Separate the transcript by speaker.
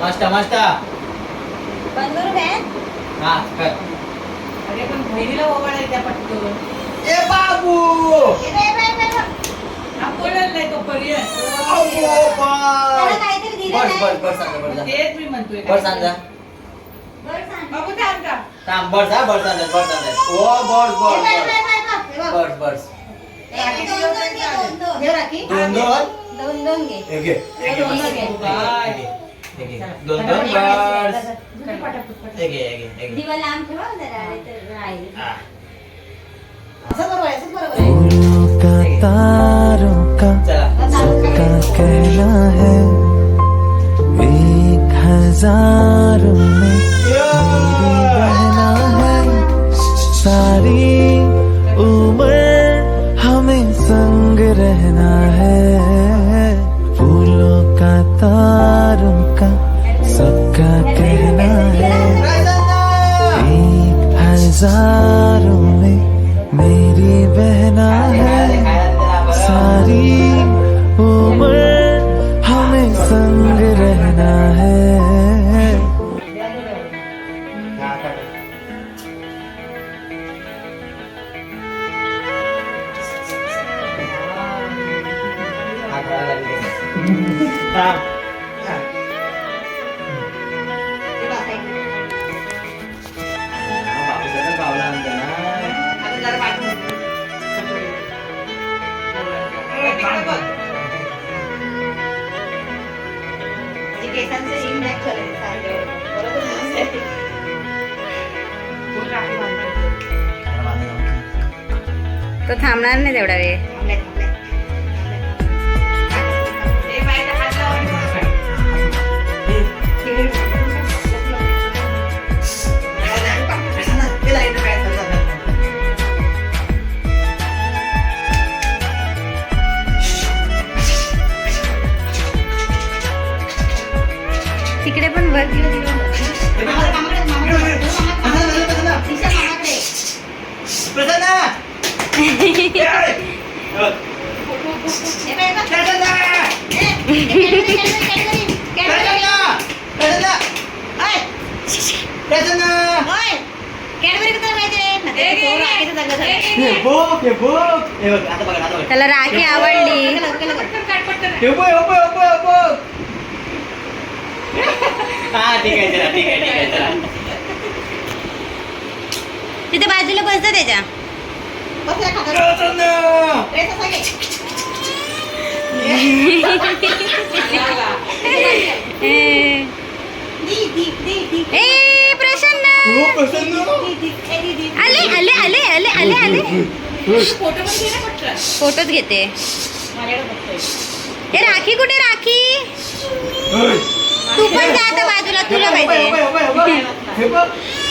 Speaker 1: मस्त मस्त
Speaker 2: बंद करू बॅन.
Speaker 1: हा कर.
Speaker 3: अरे पण बहिणीला ओवाळायला द्या पटकन.
Speaker 1: ए बाबू
Speaker 3: हा बोलायला नाही तो पर्याय.
Speaker 2: त्याला काहीतरी दिलं
Speaker 1: बस
Speaker 2: नाही.
Speaker 1: बस बस सांगा बस जा.
Speaker 3: तेच मी म्हणतोय.
Speaker 1: बस सांगा
Speaker 2: बरं सांग.
Speaker 3: बाबू थांब का?
Speaker 1: थांब बस जा बस सांगा बस सांगा ओ बस
Speaker 2: हे
Speaker 1: बस
Speaker 2: बघ, हे बघ, हे बघ.
Speaker 1: बस बस
Speaker 2: हे दोन दोन घे, दोन दोन.
Speaker 3: घे राखी.
Speaker 1: दोन दोन
Speaker 2: दोन दोन घे.
Speaker 1: एक घे एक घे, बस.
Speaker 3: घे.
Speaker 1: एक घे, एक घे. दोन दोन बस
Speaker 3: पटापट.
Speaker 1: एक घे एक घे एक घे
Speaker 2: दिवा लांब ठेवा जरा नाही तर राहील.
Speaker 1: हा.
Speaker 3: असं बरोबर आहे, असं बरोबर आहे.
Speaker 4: फूलों का तारों का
Speaker 1: चला
Speaker 4: सबका कहना है 1000 में मेरी बहना है सारी उम्र हमें संग रहना है फूलों का तारों का सबका कहना है 1000 में मेरी बहना है सारी उम्र हमें संग रहना है
Speaker 1: हा, कर. हा, करायला लागली. थांब. हा.
Speaker 2: हे बसायचं.
Speaker 1: हा, बापूसाहेब गावला आणते ना.
Speaker 3: आता जरा पाठवून दे. तिकडे बघ.
Speaker 2: म्हणजे केसांचं impact झालंय सारखं. बरोबर ना?
Speaker 3: कोण राखी बांधतो?
Speaker 5: तो थांबणार नाही तेवढा वेळ.
Speaker 2: थांबले, थांबले.
Speaker 3: ए, बाईला हात लावा आणि बोला.
Speaker 5: तिकडे पण वर
Speaker 2: मामाकडे, मामाकडे. दिशा मामाकडे.
Speaker 1: प्रसन्न!
Speaker 2: हे बघ, हे बघ.
Speaker 1: प्रसन्न!
Speaker 2: ए, कॅडबरी, कॅडबरी, कॅडबरी.
Speaker 1: प्रसन्न!
Speaker 2: ओय,
Speaker 1: प्रसन्न!
Speaker 2: ओय. कॅडबरी कुठं माहितीये?
Speaker 3: ए,
Speaker 2: तो राखीचं जागा झाला.
Speaker 1: हे बघ, हे बघ. हे बघ, आता बघ, आता बघ.
Speaker 5: त्याला राखी आवडली.
Speaker 2: केलं, केलं, केलं.
Speaker 3: पटकन काढ, पटकन.
Speaker 1: हे बघ, हे बघ, हे बघ, हे बघ. हा, ठीक आहे, चला, ठीक आहे, ठीक आहे, चला.
Speaker 5: तिथे बाजूला बसतं त्याच्या.
Speaker 2: बस या खाली.
Speaker 1: प्रसन्न!
Speaker 2: ड्रेस असा घे.
Speaker 3: लावा.
Speaker 5: ए ए, प्रसन्न
Speaker 1: हो, प्रसन्न!
Speaker 5: आले आले आले आले आले आले.
Speaker 3: फोटो पण घे ना पटकन.
Speaker 5: फोटोच घेते.
Speaker 2: माझ्याकडे बघतोय.
Speaker 5: ए राखी कुठे राखी?
Speaker 1: ओय.
Speaker 5: तू पण जा आता बाजूला तुला
Speaker 1: हे बघ,
Speaker 5: पाहिजे.
Speaker 1: हे बघ, हे बघ, हे बघ.